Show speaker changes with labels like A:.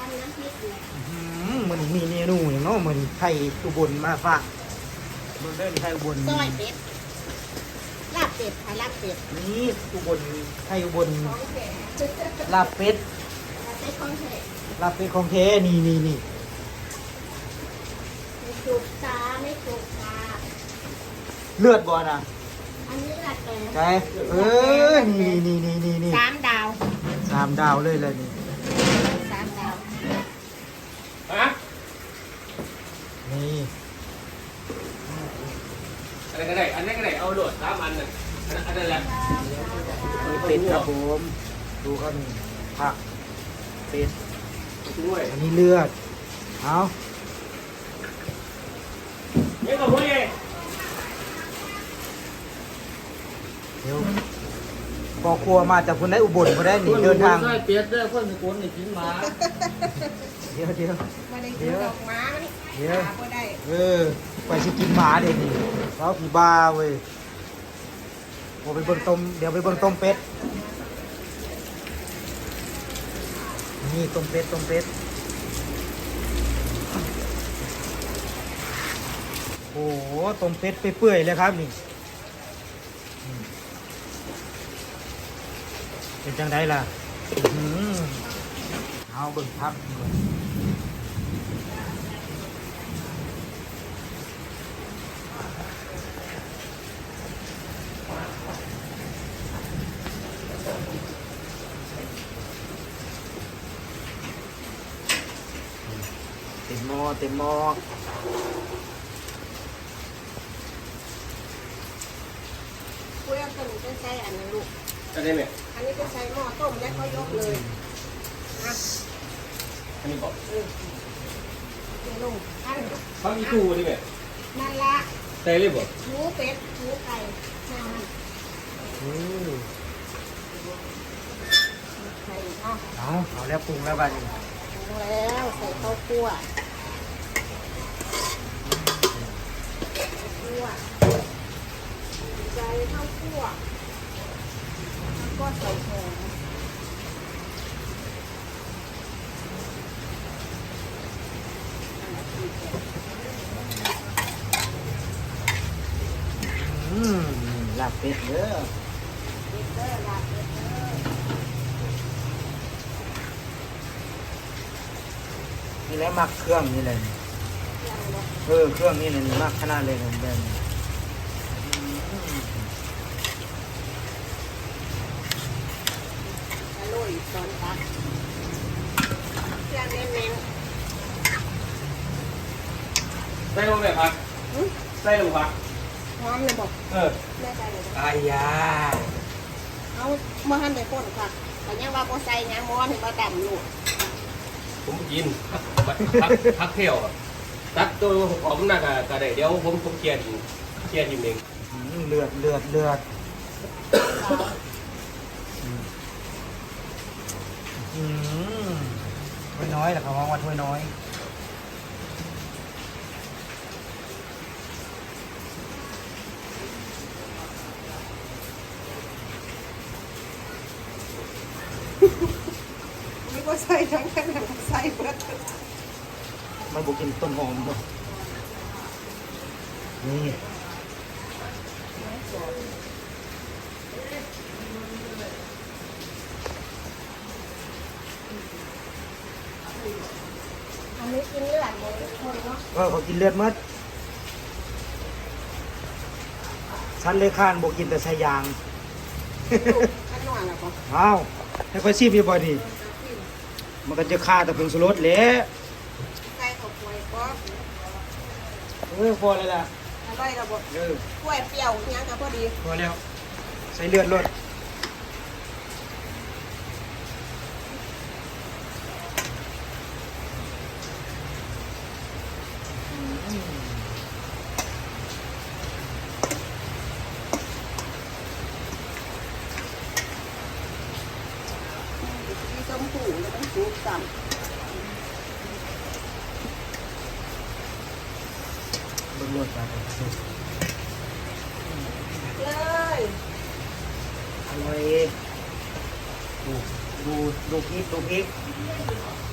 A: น้ำพริกอยู่
B: มันมีเมนูอย่างเนาะมันไข่อุบลมาฝากมันได้ไข่อุบล
A: ซอยเป็ดลาบเป็ดค่ะลาบเป็ด
B: นี่อุบลไข่อุบล
A: ของแท้
B: ลาบเป็ด
A: ลาบเป็ดของแท้
B: ลาบเป็ดของแท้นี่
A: ไม่จุกตาไม่จุกตา
B: เลือดบ่นะ
A: อันนี้ลาบเป็ด
B: ใช่นี่
A: 3 ดาว
B: 3 ดาวเลยเลยนี่
A: 3 ดาว
C: ฮะ
B: นี่
C: อะไรก็ได้อันนั้นก็ได้เอาโหลด3 อันน่ะอันนั้นแหละ
B: เป็ดครับผมดูครับนี่ผักเป็ด
C: ด้วย
B: อันนี้เลือดเอา
C: นี่ก็พูดเอง
B: เดี๋ยวพอครัวมาจากคนได้อุบลคนได้หนีเดินทาง
D: ใช่เปียกเด้อคนสกุลนี่กินหมา
B: เดี๋ยว
A: ไม่ได้กินดอกไม้นี่
B: เดี๋ยว
A: หาบ่ได้
B: ไปสิกินหมาเดี๋ยวนี้เราผีบ้าเว้ยโอ้ไปเบิ่งต้มเดี๋ยวไปเบิ่งต้มเป็ดนี่ต้มเป็ดโอ้โหต้มเป็ดไปเปื่อยเลยครับนี่เป็นจังไดล่ะเอาเบิ่งพักเต็มหม้อ
A: คุยกันจะใช้อันนั้นลูก
C: อันนี้ไหม
A: อันนี้จะใช้หม้อต้มแล้วก็ยกเลยนะ
C: อันนี้บอก
A: เดี๋ยวลงอัน
C: เขามีตู้นี่ไหม
A: นั่นละ
C: ใส่เลยบอก
A: หมูเป็ดหมูไก่น้ำไข่เนาะ
B: เอาแล้วปรุงแล้วบ้านี้
A: ลงแล้วใส่ข้าวคั่วใส่ข้าวคั่วแล้วก็ใส่หอม
B: ลาบเป็ดเด้อ
A: เบเกอร์ลาเบเกอร์
B: นี่แหละมักเครื่องนี่เลย
A: ยังบ่
B: เครื่องนี่เลยมักขนาดเลยนะแบบนี้
A: อร่อยตอนตักเครื่องเน้น
C: ใส่ลงไปพัก
A: ๆหึ
C: ใส่ลงพัก
A: หอมเลยบอก
C: เออ
A: แม่ใจเลยบอก
B: อายา
A: เอาเมื่อหันไปพ่นค่ะแต่ยังว่าโบใส่ยังม้อนถึงมาดำลูก
C: ผมกินพักเที่ยวตักตัวผมน่ะก็ได้เดี๋ยวผมเคลียร์ทีมเอง
B: เลือดถ้วยน้อยแหละเขาว่าถ้วยน้อย
A: ไม่ก็ใส่ทั้งแค่แบบใส่เบิด
B: มันบุกินต้นหอมบ่นี่
A: อันนี้กินเลือดเลยทุกคนเนาะ
B: เขากินเลือดมัดฉันเลยข้านบุกินแต่ใส่ยาง
A: อันนอนแล้วก็
B: อ้าวให้ค่อยซีบดีบ่ดีมันก็จะฆ่าแต่ผงชูรสแหละ
A: ใส่ข้าวป่วยก็
B: พอเลยล่ะ
A: อร่อยระบบ
B: เออก
A: ล้วยเปรี้ยวยังก็พอดี
B: พอแล้วใส่เลือดรส
A: ที่ต้มหูแล้วต้องซุปต่ำ
B: เบิ่งรสไป
A: เลย
B: อร่อยดูพริก